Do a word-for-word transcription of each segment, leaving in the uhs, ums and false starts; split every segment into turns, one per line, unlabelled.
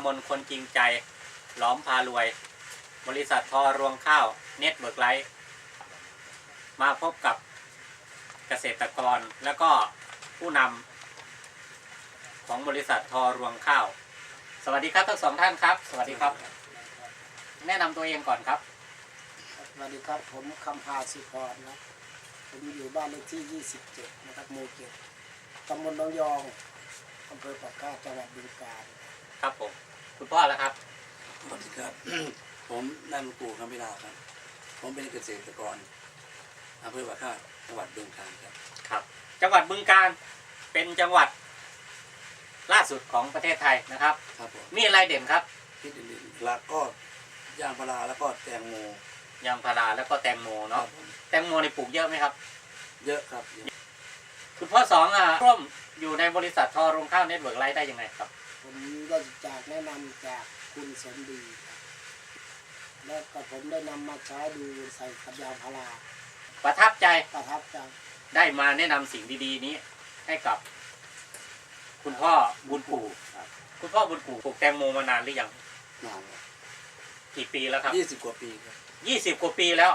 มนคนจริงใจหลอมพารวยบริษัททอรวงข้าวเน็ตเวิร์กไลท์มาพบกับเกษตรกรและก็ผู้นำของบริษัททอรวงข้าวสวัสดีครับทั้งสองท่านครับสวัสดีครับแนะนำตัวเองก่อนครับ
สวัสดีครับผมคำพาสุพรนะผมอยู่บ้านเลขที่ยี่สิบเจ็ดนะครับหมู่เจ็ดตำบลหนองยองอำเภอปากกาดจังหวัดบึงกาฬ
ครับผมคุณพ่อแล้วครับ
สวัสดีครับ ผมนายหลวงปู่คำพิลาครับผมเป็นเกษตรกรอำเภอปากกาดจังหวัดบึงกาฬครับ
ครับจังหวัดบึงกาฬเป็นจังหวัดล่าสุดของประเทศไทยนะครับ
ครับผม
มีอะไรเด่นครับ
ที่เด่นๆแล้วก็ยางพาราแล้วก็แตงโม
ยางพาราแล้วก็แตงโมเนาะแตงโมในปลูกเยอะไหมครับ
เยอะครับ
คุณพ่อสองอ่ะร่วมอยู่ในบริษัททอรวงข้าวเน็ตเวิร์กไลท์ได้ยังไงครับ
ผมได้จากแนะนำจากคุณสมดีครับแล้วก็ผมได้นำมาใช้ดูใส่กับยางพารา
ประทับใจ
ประทับใจ
ได้มาแนะนำสิ่งดีๆนี้ให้กับคุณพ่อบุญปู่คุณพ่อบุญปู่ปลูกแตงโมมานานหรือยัง
นาน
กี่ปีแล้วครับ
ยี่สิบกว่าปีครับ
ยี่สิบกว่าปีแล้ว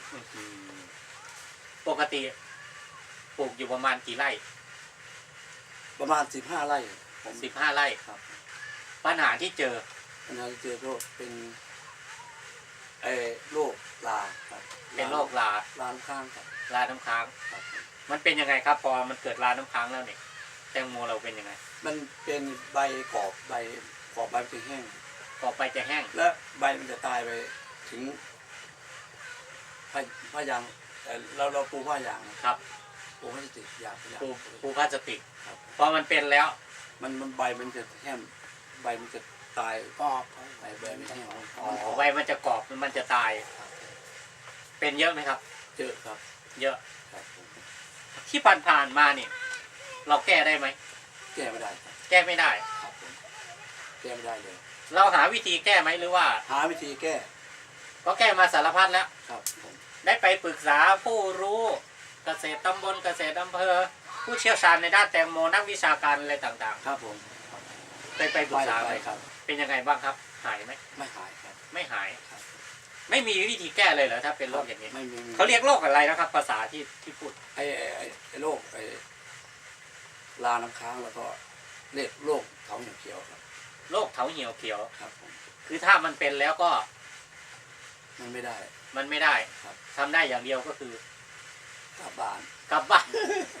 ปกติปลูกอยู่ประมาณกี่ไร่
ประมาณสิบห้าไร่
ผมสิบห้าไร่ครับปัญหาที่เจอ
ปัญหาที่เจอก็เป็นไอ้โรคลาครับ
เป็นโรคลา
ลาน้ำค้างครับ
ลาน้ำค้างมันเป็นยังไงครับพอมันเกิดลาน้ำค้างแล้วเนี่ยแตงโมเราเป็นยังไง
มันเป็นใบกรอบใบกรอบใบจะแห้ง
กรอบใบจะแห้ง
และใบมันจะตายไปถึงผ้าผ้ายางแต่เราเราปูผ้ายาง
ครับ
ปูพลาสติกยาง
ปูปูพลาสติกพอมันเป็นแล้ว
มันมันใบมันจะแห้งใบมันจะตาย
กรอบ
ใบใบไม่แห้ง
อ๋อใบมันจะกรอบมันจะตายเป็นเยอะไหมครับ
เยอะครับ
เยอะที่ผ่านผ่านมาเนี่ยเราแก้ได้ไหม
แก้ไม่ได้
แก้ไม่ได้
ครับแก้ไม่ได้เลย
เราหาวิธีแก้ไหมหรือว่า
หาวิธีแก้
ก็แก้มาสารพัดแล้ว
ครับ
ได้ไปปรึกษาผู้รู้เกษตรตำบลเกษตรอำเภอผู้เชี่ยวชาญในด้านแตงโมนักวิชาการอะไรต่าง
ๆครับผม
ไปไปปรึกษาไหม
ครับ
เป็นยังไงบ้างครับหายไหม
ไม่หายครับ
ไม่หายครับไม่มีวิธีแก้เลยเหรอถ้าเป็นโรคอย่างนี้
ไม่มี
เขาเรียกโรคอะไรนะครับภาษาที่ที่พูด
ไอ้ไอ้โรคไอ้ลาน้ำค้างแล้วก็เรียกโรคเถาเหี่ยวเขียวครับ
โรคเถาเหี่ยวเขียว
ครับผม
คือถ้ามันเป็นแล้วก็
มันไม่ได้
มันไม่ได้
ครับ
ทำได้อย่างเดียวก็คื
อกลับบ้าน
กลับบ้าน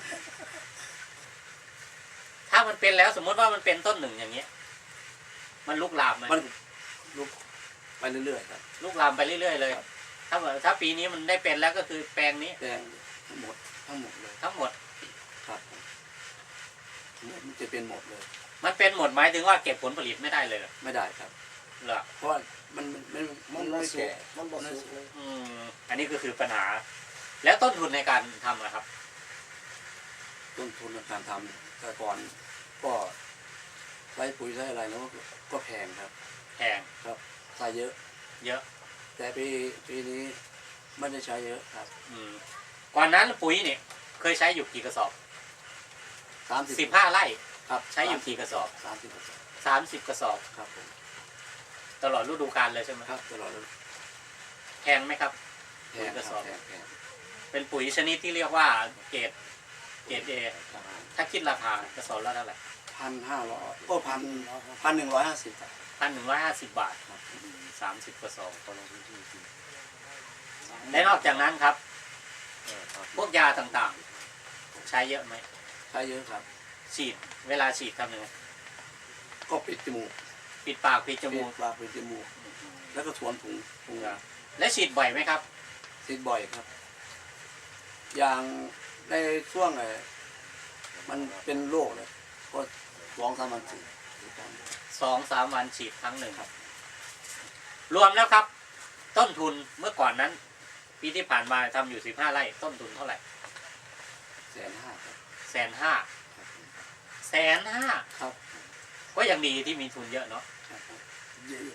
ถ้ามันเป็นแล้วสมมติว่ามันเป็นต้นหนึ่งอย่างเงี้ยมันลุกลามไหม
มันลุกไปเรื่อยๆครับ
ลุกลามไปเรื่อยๆเลยถ้าถ้าปีนี้มันได้เป็นแล้วก็คือแปลงนี้
แปลงทั้งหมดทั้งหมดเลย
ทั้งหมด
ครับมันจะเป็นหมดเลย
มันเป็นหมดหมายถึงว่าเก็บผลผลิตไม่ได้เลย
ไม่ได้ครับ
เหรอ
เพราะมันมันมันไม่แก่
มันบ่สุกเลย
อืมอันนี้ก็คือปัญหาแล้วต้นทุนในการทำนะครับ
ต้นทุนในการทำแต่ก่อนก็ใช้ปุ๋ยใช้อะไรแล้วก็แพงครับ
แพง
ครับใช้เยอะ
เยอะ
แต่ปีปีนี้ไม่ได้ใช้เยอะครับ
อืมก่อนนั้นปุ๋ยเนี่ยเคยใช้อยู่กี่กระสอบ
สาม
สิบห้าไร่
ครับ
ใช้อยู่กี่กระสอบ
สามสิบกระสอบ
สามสิบกระสอบ
ครับผม
ตลอดฤดูกาลเลยใช่ไหม
ครับตลอด
แพงไหมครับ
แพงกระสอบ
เป็นปุ๋ยชนิดที่เรียกว่าเกรดเกรดเอถ้าคิดราคากระสอบละเท่าไหร่
พันห้าร้อยก็พันพันหนึ่งร้อยห้าสิบ
พันหนึ่งร้อยห้าสิบบาทครับสามสิบกระสอบต่อลงพื้นที่และนอกจากนั้นครับพวกยาต่างๆใช้เยอะไหม
ใช้เยอะครับ
ฉีดเวลาฉีดทำยังไง
ก็ปิดจมูก
ปิดปากปิดจมูก
ปากปิดจมูกแล้วก็สวมถุงถุงยา
และฉีดบ่อยไหมครับ
ฉีดบ่อยครับอย่างในช่วงไอ้มันเป็นโรคเลยก็สองสามวันฉีด
สองสามวันฉีดครั้งหนึ่งครับรวมแล้วครับต้นทุนเมื่อก่อนนั้นปีที่ผ่านมาทำอยู่สิบห้าไร่ต้นทุนเท่าไหร่
แสนห้า
แสนห้าแสนห้า
ครับ
ก็ยังดีที่มีทุนเยอะเนาะ
ยืม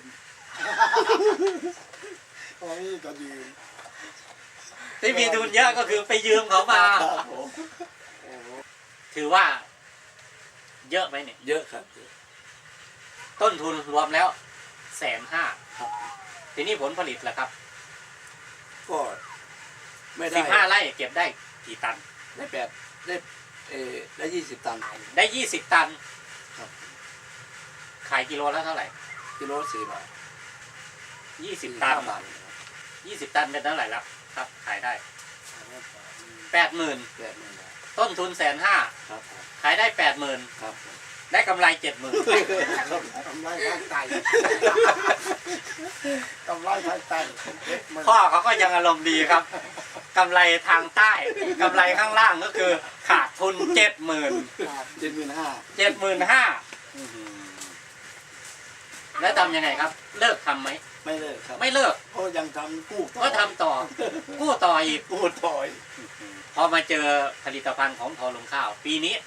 โอ้ยก็ยืม
ที่มีทุนเยอะก็คือไปยืมเขามาถือว่าเยอะไหมเนี่ย
เยอะครับ
ต้นทุนรวมแล้วแสนห้า
ครับ
ทีนี้ผลผลิตล่ะครับ
ก็ไม่ได้
สิบห้าไร่เก็บได้กี่ตัน
ได้แปดได้เออได้ยี่สิบตัน
ได้ยี่สิบตัน
ครับ
ขายกิโลละเท่าไหร่
กิโลสี่บาท
ยี่สิบ
สี่
ตัน
ห้าบาทครับ
ยี่สิบตันเป็นเท่าไหร่แล้วครับ ขายได้แปดหมื่น
แปดหมื่นบาท
ต้นทุนแสนห้า
ครับผม
ขายได้แปดหมื่น
ครับผม
ได้กำไรเจ็ดหมื่น
กำไรทางไตกำไรทางไตเจ็ดหมื่น
พ่อเขาก็ยังอารมณ์ดีครับกำไรทางใต้กำไรข้างล่างก็คือขาดทุนเจ็ดหมื่น
เจ็ดหมื่นห้า
เจ็ดหมื่นห้าแล้วทำยังไงครับ เลิกทำไหม
ไม่เลิกครับ
ไม่เลิก
ก็ยังทำกู้ต่อ
ก็ทำต่อ กู้ต่ออีก
กู้ต่อย
พอมาเจอผลิตภัณฑ์ของทอลงข้าว ปีนี้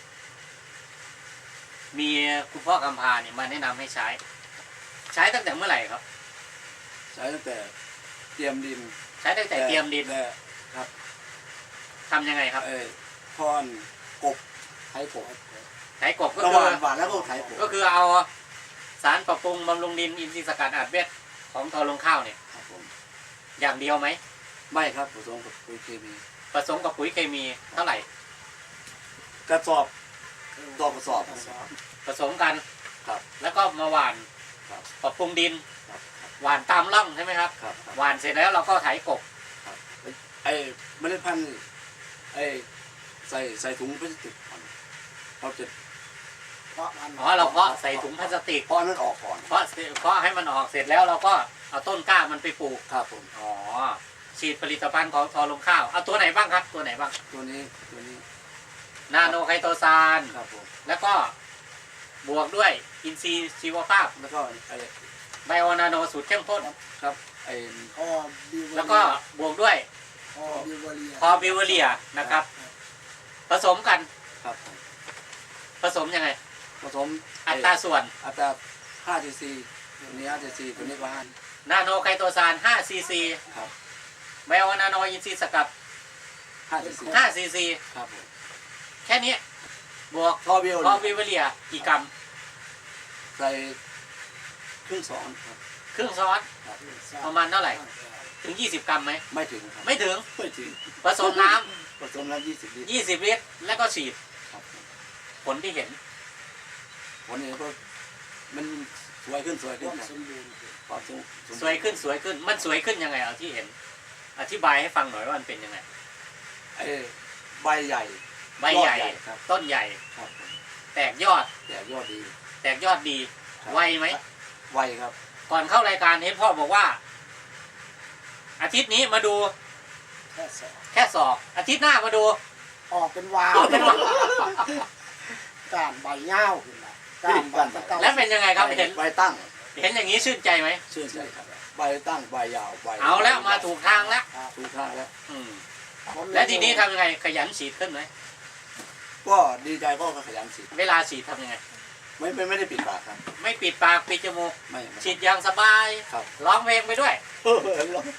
มีคุณพ่อกำพาเนี่ยมาแนะนำให้ใช้ ใช้ตั้งแต่เมื่อไหร่ครับ
ใช้ตั้งแต่เตรียมดิน
ใช้ตั้งแต่เตรียมดิน
และครับ
ทำยังไงครับ
เออพรกบไถกบ
ไถกบก็
ระห
คือ
ว่างหวานแล้วก็ไถกบ
ก็คือเอาสารปรับปรุงบำรุงดินอินทรีย์สกัดอัดเม็ดของทอลงข้าวเนี่ย
ครับผม
อย่างเดียวไหม
ไม่ครับผสมกับปุ๋ยเคมี
ผสมกับปุ๋ยเคมีเท่าไหร่
กระสอบต่อกระสอบ
ผสมกัน
ครับ
แล้วก็มาหว่าน
ครับ
ปรับปรุงดิน
ครับครับ
หว่านตามร่องใช่ไหมครับ
ครับครับ
หว่านเสร็จแล้วเราก็ไถกบ
ครับไอ้เมล็ดพันธุ์นี่ไอ้ใส่ใส่ถุงพลาสติกก่อนเราจะ
เพราะมัน
อ๋อเราเพาะใส่ถุงพลาสติก
เพราะอันนั้นออกก่อน
เพาะเพาะให้มันออกเสร็จแล้วเราก็เอาต้นกล้ามันไปปลูก
ครับผม
อ๋อฉีดผลิตภัณฑ์ของทอลงข้าวเอาตัวไหนบ้างครับ ตัวไหนบ้าง
ตัวนี้ตัวนี้
นาโนไคโตซาน
ครับผม
แล้วก็บวกด้วยอินทรีย์ชีวภาพ
แล้วก็ไอ้
ไบโอนาโนสูตรเข้มข้น
ครับไอ้
พ่อบิว
แล้วก็บวกด้วย
พ่อบิวเวอเรีย
พอบิวเวอเรียนะครับ ผสมกัน
ครับผม
ผสมยังไง
ผสม
อัตราส่วน
อัตราห้าซีซีตัวนี้ห้าซีซีตัวนี้ก็ห้า
นาโนไคโตซานห้าซีซี
ครับ
ไบโอนาโนอินทรีย์สกัด
ห้าซีซี
ห้าซีซี
ครับผม
แค่นี้บวก
พอเบล
พอบิวเวอเรียกี่กรัม
ใส่ครึ่งสองครับ
ครึ่งช้อน
ครับ
ประมาณเท่าไหร่ ถึงยี่สิบกรัมไหม
ไม่ถึงครับ
ไม่ถึง
ไม่ถึง
ผสมน้ำ
ผสมน้ำยี่สิบลิตร
ยี่สิบลิตรแล้วก็ฉีด
ครับผม
ผลที่เห็น
ผลนี้ก็มันสวยขึ้นสวย
ค
ขึ้น
วาม
ครับ
สมบูรณ์
ความสมบูรณ์
สวยขึ้นสวยขึ้น มันสวยขึ้นยังไงเอาที่เห็น อธิบายให้ฟังหน่อยว่ามันเป็นยังไง
ไอ้ใบใหญ่
ใบใหญ่
ยอดใหญ่ครับ
ต้นใหญ่
ครับผม
แตกยอด
แต่ยอดดี
แตกยอดดี
ครับ
ไวไหม
ไวครับ
ก่อนเข้ารายการเห็นพ่อบอกว่า อาทิตย์นี้มาดู
แค่สอง
แค่ศอก อาทิตย์หน้ามาดู
ออกเป็นวาว
ออกเป็นวาว
การใบเง่าขึ้นมาการใบตะเกา
แล้วเป็นยังไงครับเห็น
ใบตั้ง
เห็นอย่างนี้ชื่นใจไหม
ชื่นใจครับใบตั้งใบยาวใบ
เอาแล้วมาถูกทางแล้ว
ถูกทางแล้ว
อืม
ผม
แล้วทีนี้ทำยังไงขยันฉีดขึ้นไหม
ก็ดีใจก็ขยันฉีด
เวลาฉีดทำยังไง
ไม่ไม่ไม่ได้ปิดปากครับ
ไม่ปิดปากปิดจมูก
ไม่ไม่
ฉีดอย่างสบาย
ครับ
ร้องเพลงไปด้วย
เออลอง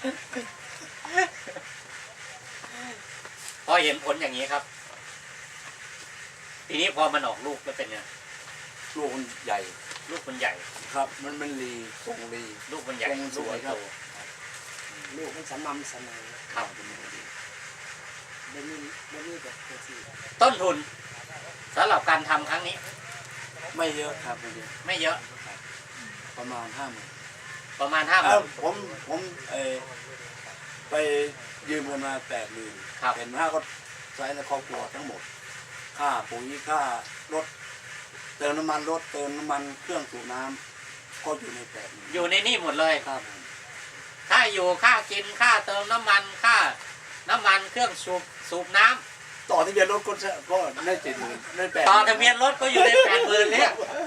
พอเห็นผลอย่างนี้ครับ ทีนี้พอมันออกลูกแล้วเป็นไง
ลูกมันใหญ่
ลูกมันใหญ่
ครับ มันมันรีทรงรี
ลูกมันใหญ่
ทรงส
ลูก
วย
มัน
ครั
โต
บ
ลูกมันสม่ำเสมอ
ครับ
ไม่มีไม่มีแบบตัวที่
ต้นทุนสำหรับการทำครั้งนี้
ไม่เยอะครับไม่เยอะ
ไม่เยอะ
ประมาณห้าหมื่น
ประมาณห้าห
เอ
มื่
อน ผมผมเออไปยืมเงินมาแปดหมื่น
ครับ
เห็นว่าก็ใช้ในครอบครัวทั้งหมด ค่าปุ๋ยค่ารถเติมน้ำมันรถเติมน้ำมันเครื่องสูบน้ำก็อยู่ในแปดหมื่น
อยู่ในนี่หมดเลย
ครับผม
ค่าอยู่ค่ากินค่าเติมน้ำมันค่าน้ำมันเครื่องสูบสูบน้ำ
ต่อทะเบียนรถก็จะก็ได้เจ็ดหมื่นได้แปด
ต่อทะเบียนรถก็อยู่ในแปดหมื่นเนี่ย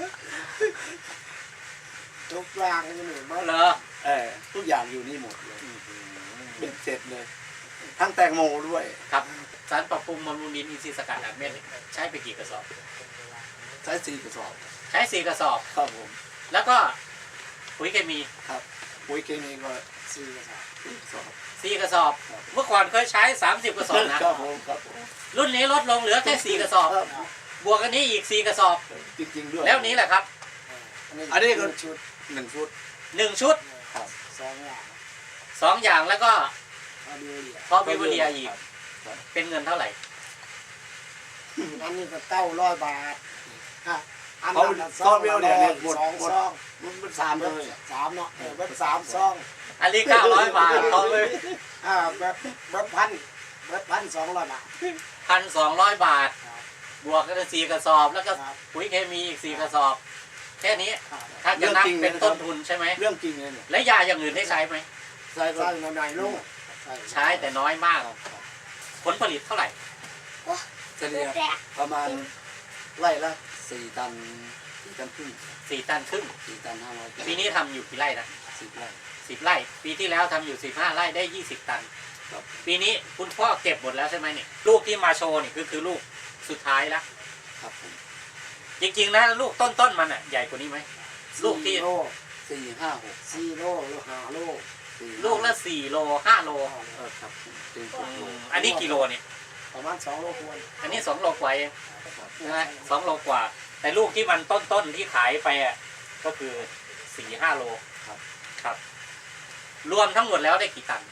ทุกอย่างนี่หนูว่า
เหรอ
เออทุกอย่างอยู่นี่หมดเลยเป็นเสร็จเลย ทั้งแตงโมด้วย
ครับสารปรับปรุงบำรุงดินอินทรีย์สกัดอัดเม็ดใช้ไปกี่กระสอบ
ใช้สี่กระสอบ
ใช้สี่กระสอบ
ครับผม
แล้วก็ปุ๋ยเคมี
ครับปุ๋ยเคมีก็
สี่กระสอบ
สี่กระสอบ
สี่กระสอบ เมื่อก่อนเคยใช้สามสิบกระสอบนะครับ
ผมครับผม
รุ่นนี้ลดลงเหลือแค่สี่กระสอบ
ครับ
บวกกันนี้อีกสี่กระสอบ
จริงๆด้วย
แล้วนี้แหละครับ
อ
อันนี้ก็
ชุด
หนึ่งชุด
หนึ่งชุด
ครับ
สองอย่าง
สองอย่างแล้วก็
พอดีเลย
พอวิวเลียอีก
ครับ
เป็นเงินเท่าไหร่
อันนี้ก็เก้าร้อยบาทอ่ะอัน
เขา
นั้น
ซองเดียวเนี่ยหมด
สอง
หมด
ซอง
มันเป็นสามเลย
สามเนาะเออเว็บสามซอง
อันนี้เก้าร้อยบาทเขาเลย
อ่าเว็บเว็บพันเว็บพันสองร้อยบาท
พันสองร้อยบาท
ครับ
บวกกันสี่กระสอบแล้วก็
ครับ
ปุ๋ยเคมีอีกสี่กระสอบ แค่นี้
ครับ
ถ้าจะนับเป็นต้นทุนใช่ไหม
เรื่องจริงเลยเนี่ย
และยาอย่างอื่นได้ใช้ไหม
ใช่ก็
ใส่หน่อยๆลูก
ใช้แต่น้อยมาก
ครับครับ
ผลผลิตเท่าไหร่
เฉลี่ยประมาณไร่ละสี่ตันสี่ตันครึ่ง
สี่ตันครึ่ง
สี่ตันห้าร้อย
ปีนี้ทำอยู่กี่ไร่นะ
สิบไร่
สิบไร่ ปีที่แล้วทำอยู่สิบห้าไร่ได้ยี่สิบตัน
ครับ
ปีนี้คุณพ่อเก็บหมดแล้วใช่ไหมเนี่ยลูกที่มาโชว์นี่คือคือลูกสุดท้ายแล้ว
ครับผม
จริงๆนะลูกต้นๆมันอ่ะใหญ่กว่านี้ไหม ลูกที่
สี่โล
สี่ห้าหก
สี่โลหรือห้าโล
สี่
ลูกละสี่โลห้าโล
เออครับผมเป็น
อื
โล
มอันนี้กี่โลเนี่ย
ประมาณสองโลควร
อันนี้สองโลกว่าเอง
ครับ
ใช่ไหมสองโลกว่า แต่ลูกที่มันต้นๆที่ขายไปอ่ะก็คือสี่ห้าโล
ครับ
ครับ รวมทั้งหมดแล้วได้กี่ตัน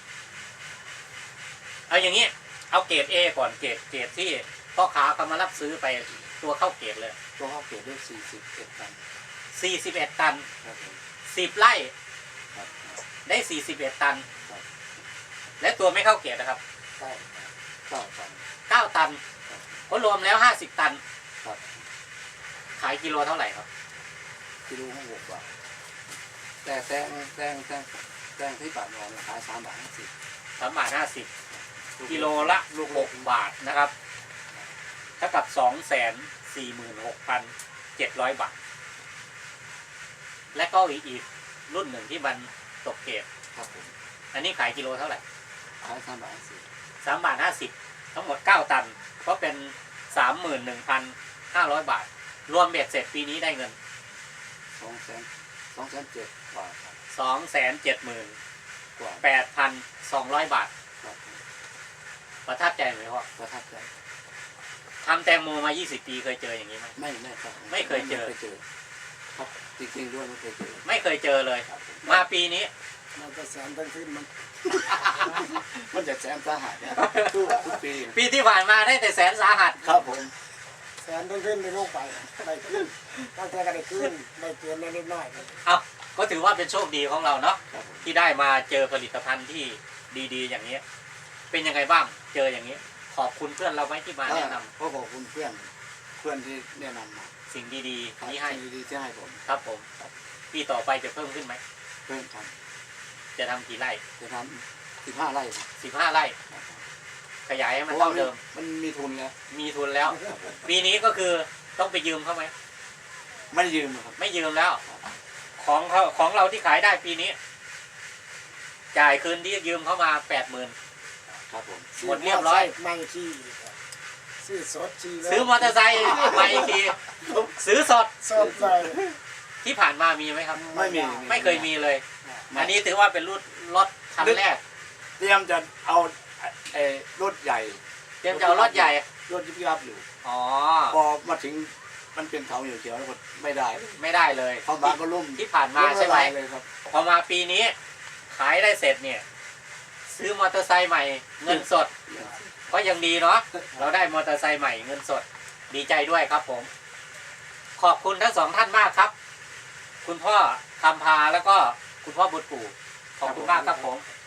เอาอย่างนี้ เอาเกรด A ก่อนเกรดเกรดที่พ่อค้าเขามารับซื้อไปตัวเข้าเกรดเลย
ตัวข้าวเกรดได้สี่สิบเอ็ดตัน
สี่สิบเอ็ดตัน
ครับผม
สิบไร่
ครับ
ได้สี่สิบเอ็ดตัน
ครับ
และตัวไม่เข้าเกรดนะครับ
ใช่
เก้าตัน
เก้าตันก็รวมแล้วห้าสิบตัน
ครับ
ขายกิโลเท่าไหร่ครับ
กิโลห้าหกบาทแต่แตงแตงแตงแตงที่ปากนอนขายสามบาทห้าสิบ
สามบาทห้าสิบกิโลละลูกหกบาทนะครับเท่ากับสองแสนสี่หมื่นหกพันเจ็ดร้อยบาท และก็อีกอีกรุ่นหนึ่งที่มันตกเกรด
ครับผม
อันนี้ขายกิโลเท่าไหร่
ขายสามบาทห้าสิบ
สามบาทห้าสิบทั้งหมดเก้าตัน ก็เป็นสามหมื่นหนึ่งพันห้าร้อยบาท รวมเบ็ดเสร็จปีนี้ได้เงิน
สองแสนสองแสนเจ็ดบาทครับ
สองแสนเจ็ดหมื่น
กว่า
แปดพันสองร้อยบาท
ครับผม
ประทับใจไหมพ่อ
ประทับใจ
ทำแตงโมมายี่สิบปีเคยเจออย่างนี้ไหม
ไม่ไม่ครับ
ไม่เคยเจอ
ไม่เคยเจอครับจริงๆด้วยไม่เคยเจอ
ไม่เคยเจอเลย
ครับผม
มาปีนี้
มันจะแสนต้นขึ้นมัน
มันจะแสนสาหัสเนี่ยทุกทุกปี
ปีที่ผ่านมาได้แต่แสนสาหัส
ครับผม
แสนต้นขึ้นในโลกไปได้ขึ้นตั้งแต่ก็ได้ขึ้นได้เกินได้นิดหน่อย
เอาก็ถือว่าเป็นโชคดีของเราเนาะ
ครับผม
ที่ได้มาเจอผลิตภัณฑ์ที่ดีๆ อย่างนี้ เป็นยังไงบ้าง เจออย่างนี้ ขอบคุณเพื่อนเราไหมที่มาแนะนำ
ก็ขอบคุณเพื่อนเพื่อนที่แนะนำมา
สิ่งดี
ครับ
ๆนี้ให้
ดีๆที่ให้ผม
ครับผมปีต่อไปจะเพิ่มขึ้นไหม
เพื่อนท
จะทำกี่ไร่
ำจะทำสิบห้าไร่ครับ
สิบห้าไร่
ครับผม
ขยายให้
เพ
มัน
ราะว่า
เท่าเดิม
มันมีทุนแล้ว
มีทุนแล้ว ปีนี้ก็คือต้องไปยืมเขาไหม
ไม่ได้ยืมครับ
ไม่ยืมแล้ว ของเขาของเราที่ขายได้ปีนี้ จ่ายคืนที่ยืมเขามาแปดหมื่น
ครับผม
หมดเรียบร้อย
ไม่ขี้ซื้อสดชีแล้ว
ซื้อมอเตอร์ไซค์มาอีกทีซื้อสด
สดเลย
ที่ผ่านมามีไหมครับ
ไม่มี
ไม่เคยมีเลย อันนี้ถือว่าเป็นรุ่นรถคันแรก
เตรียมจะเอาไอ้รถใหญ่
เตรียมจะเอารถใหญ่
รถยิบยับอยู่
อ๋อ
พอมาถึงมันเป็นเขาเขียวๆแล้วก็ไม่ได้
ไม่ได้เลย
เข้ามาก็ล่ม
ที่ผ่านมาใช่ไหม
ล่ละลยเลยครับ
พอมาปีนี้ ขายได้เสร็จเนี่ย ซื้อมอเตอร์ไซค์ใหม่ เงินสด ก็ยังดีเนาะ เราได้มอเตอร์ไซค์ใหม่เงินสด ดีใจด้วยครับผม ขอบคุณทั้งสองท่านมากครับ คุณพ่อคำพาแล้วก็คุณพ่อบุตรปู่ขอบคุณมากครับผม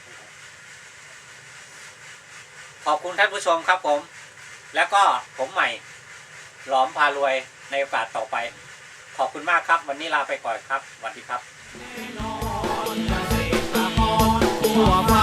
ขอบคุณท่านผู้ชมครับผม แล้วก็ผมใหม่ หลอมพารวยในโอกาสต่อไป ขอบคุณมากครับ วันนี้ลาไปก่อนครับสวัสดีครับ
ทั่วฟ้า